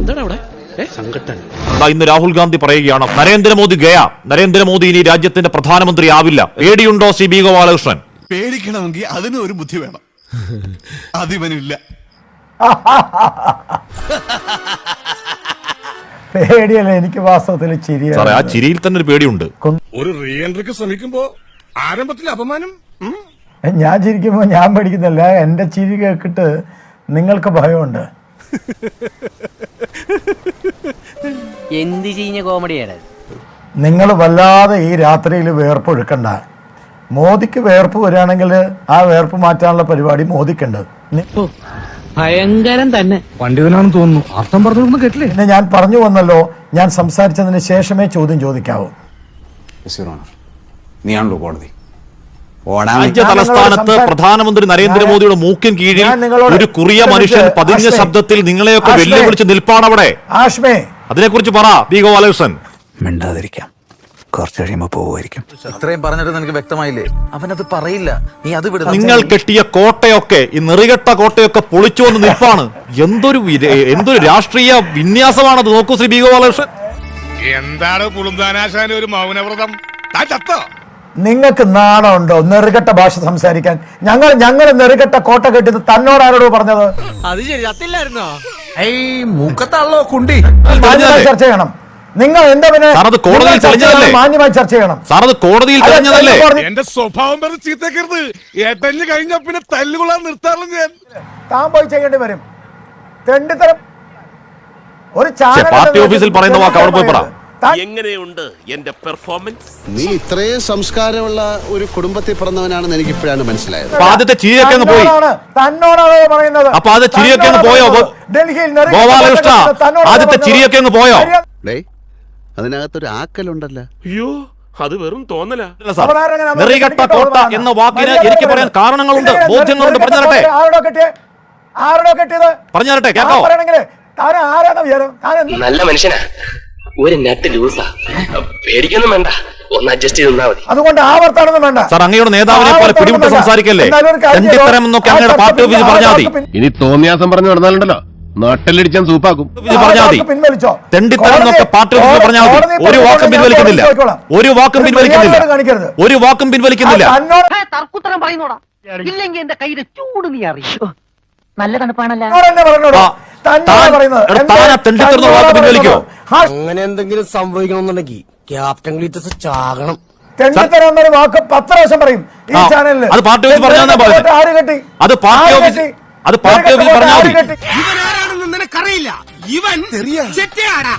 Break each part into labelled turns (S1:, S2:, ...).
S1: എന്താണ് അവിടെ സംഘട്ടൻ?
S2: ഇന്ന് രാഹുൽ ഗാന്ധി പറയുകയാണ് നരേന്ദ്രമോദി ഗയ, നരേന്ദ്രമോദി ഇനി രാജ്യത്തിന്റെ പ്രധാനമന്ത്രി ആവില്ല. പേടിയുണ്ടോ ശ്രീ ബി ഗോപാലകൃഷ്ണൻ?
S3: പേടിക്കണമെങ്കിൽ അതിന് ഒരു ബുദ്ധി വേണം, അതിവനില്ല.
S4: പേടിയല്ല, എനിക്ക് വാസ്തവത്തിൽ ചിരിയാണ്.
S2: ആ ചിരിയിൽ തന്നെ ഒരു പേടിയുണ്ട്.
S3: ഒരു റീ എൻട്രിക്ക് ശ്രമിക്കുമ്പോ ആരംഭത്തിൽ അപമാനം.
S4: ഞാൻ ചിരിക്കുമ്പോ ഞാൻ പേടിക്കുന്നില്ല, എന്റെ ചിരി കേട്ടിട്ട് നിങ്ങൾക്ക് ഭയമുണ്ട്.
S5: എന്ത് ചെയ്യുന്ന കോമഡിയാണ്
S4: നിങ്ങൾ വല്ലാതെ ഈ രാത്രിയിൽ വേർപ്പൊഴുക്കണ്ട. മോദിക്ക് വേർപ്പ് വരികയാണെങ്കിൽ ആ വേർപ്പ് മാറ്റാനുള്ള പരിപാടി മോദിക്കുണ്ട്.
S1: ഭയങ്കരം തന്നെ.
S6: പണ്ഡിതനാണെന്ന് തോന്നുന്നു. അർത്ഥം പറഞ്ഞൊന്നും കേട്ടില്ലേ?
S4: പിന്നെ ഞാൻ പറഞ്ഞു വന്നല്ലോ, ഞാൻ സംസാരിച്ചതിന് ശേഷമേ ചോദ്യം ചോദിക്കാവൂ.
S6: നീയാണല്ലോ കോടതി.
S2: രാജ്യ തലസ്ഥാനത്ത് പ്രധാനമന്ത്രി നരേന്ദ്രമോദിയുടെ മൂക്കിൻ കീഴിൽ ഒരു കുറിയ മനുഷ്യൻ പതിഞ്ഞ ശബ്ദത്തിൽ നിങ്ങളെയൊക്കെ വെല്ലുവിളിച്ച് നിൽപ്പാണവിടെ. അതിനെക്കുറിച്ച് പറ ബി ഗോപാലകൃഷ്ണൻ.
S6: മിണ്ടാതിരിക്കാം, കുറച്ച് കഴിയുമ്പോ പോവുമായിരിക്കും. ഇത്രയും പറഞ്ഞിട്ട് നിനക്ക് വ്യക്തമായില്ലേ? അവനത് പറയില്ല, നീ അത് വിടുന്നു.
S2: നിങ്ങൾ കെട്ടിയ കോട്ടയൊക്കെ, ഈ നെറികെട്ട കോട്ടയൊക്കെ പൊളിച്ചു വന്ന് നിൽപ്പാണ്. എന്തൊരു രാഷ്ട്രീയ വിന്യാസമാണത്. നോക്കൂ ശ്രീ ബി ഗോപാലകൃഷ്ണൻ.
S3: എന്താണ് കുളുന്താനാശാന ഒരു മൗനവ്രതം?
S4: നിങ്ങൾക്ക് നാണമുണ്ടോ നെറുകെട്ട ഭാഷ സംസാരിക്കാൻ? ഞങ്ങൾ നെറുകെട്ട കോട്ട കെട്ടിയത് തന്നോട് ആരോടോ പറഞ്ഞത്?
S5: അത് ശരി, സത്തില്ലായിരുന്നോ?
S6: മൂക്കത്താണല്ലോ കുണ്ടി.
S4: ചർച്ച ചെയ്യണം. നിങ്ങൾ എന്താ പിന്നെ മാന്യമായി ചർച്ച ചെയ്യണം.
S2: കോടതിയിൽ തെളിഞ്ഞതല്ലേ?
S3: എന്റെ സ്വഭാവം പറഞ്ഞ് ചീത്തക്കരുത്. ഏട്ടഞ്ഞ് കഴിഞ്ഞ പിന്നെ തല്ലുകൊള്ളാൻ നിർത്താറില്ല ഞാൻ.
S4: താൻ പോയി ചെയ്യേണ്ടി വരും. തെണ്ടിത്തരം. ഒരു
S2: പാർട്ടി ഓഫീസിൽ പറയുന്ന വാക്ക് അവിടെ പോയി പറ.
S7: എങ്ങനെയുണ്ട് എന്റെ പെർഫോമൻസ്?
S8: നീ ഇത്രയും സംസ്കാരമുള്ള ഒരു കുടുംബത്തിൽ പിറന്നവനാണെന്ന് എനിക്ക് ഇപ്പോഴാണ് മനസ്സിലായത്.
S2: ആദ്യത്തെ ചിരിയൊക്കെ അങ്ങ് പോയി.
S4: തന്നോടാണ് പറയുന്നത്.
S2: അപ്പൊ അത് ചിരിയൊക്കെ അങ്ങ് പോയോ ഗോപാലകൃഷ്ണ? ആദ്യത്തെ ചിരിയൊക്കെ അങ്ങ് പോയോ?
S8: അതിനകത്തൊരു ആക്കലുണ്ടല്ലോ.
S7: അയ്യോ, അത് വെറും തോന്നല.
S2: നെറികെട്ട കോട്ട എന്ന വാക്കിന് എനിക്ക് പറയാൻ കാരണങ്ങളുണ്ട്, ബോധ്യങ്ങളുണ്ട്. പറഞ്ഞു തരട്ടെ, പറഞ്ഞു തരട്ടെ, കേട്ടോ?
S7: നല്ല മനുഷ്യനാ, ഒരു നെറ്റ് ലൂസാ. പേടിക്കൊന്നും വേണ്ട, ഒന്ന് അഡ്ജസ്റ്റ് ചെയ്ത് നിന്നാ മതി.
S4: അതുകൊണ്ട് ആവർത്താനൊന്നും വേണ്ട
S2: സാർ. അങ്ങയുടെ നേതാവിനെ പോലെ പിടിവിട്ട് സംസാരിക്കല്ലേ. തെണ്ടിത്തരം എന്നൊക്കെ അങ്ങയുടെ പാർട്ടി ഓഫീസിൽ പറഞ്ഞാൽ മതി.
S9: ഇനി തോന്നിയാസം പറഞ്ഞു നടന്നാലുണ്ടല്ലോ, നാട്ടിലടിച്ചാൻ സൂപ്പാക്കും.
S2: പറഞ്ഞാൽ മതി. തെണ്ടിത്തരം എന്നൊക്കെ പാർട്ടി ഓഫീസിൽ പറഞ്ഞാൽ മതി. ഒരു വാക്കും പിൻവലിക്കുന്നില്ല, ഒരു വാക്കും പിൻവലിക്കുന്നില്ല, ഒരു വാക്കും പിൻവലിക്കുന്നില്ല.
S5: തർക്കുത്തരം പറയുന്നോടാ, ഇല്ലെങ്കിൽ എന്റെ കയ്യിലെ ചൂട് നീ അറിയോ? നല്ല തണുപ്പാണല്ലോ.
S6: അങ്ങനെ എന്തെങ്കിലും സംഭവിക്കണമെന്നുണ്ടെങ്കിൽ ക്യാപ്റ്റൻ ഗ്ലീറ്റസ് ചാകണം.
S4: തെണ്ടിത്തരം എന്നൊരു വാക്ക് 10 പ്രാവശ്യം പറയും ഈ ചാനലിൽ.
S2: അത് പാർട്ടി ഓഫീസിൽ പറഞ്ഞാൽ അത് പാർട്ടി ഓഫീസിൽ പറഞ്ഞാൽ മതി.
S3: ഇവനാരാണെന്ന് നിനക്കറിയില്ല. ഇവൻ ചെറ്റയാടാ.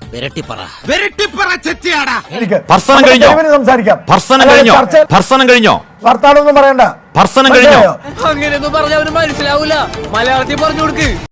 S2: ഭർസനം കഴിഞ്ഞോ?
S4: സംസാരിക്കാം.
S2: ഭർസനം കഴിഞ്ഞോ?
S4: വർത്താനൊന്നും പറയണ്ട.
S2: ഭർസനം കഴിഞ്ഞോ?
S5: അങ്ങനെയൊന്നും പറഞ്ഞ അവന് മനസ്സിലാവൂല. മലയാളത്തിൽ പറഞ്ഞു കൊടുക്ക്.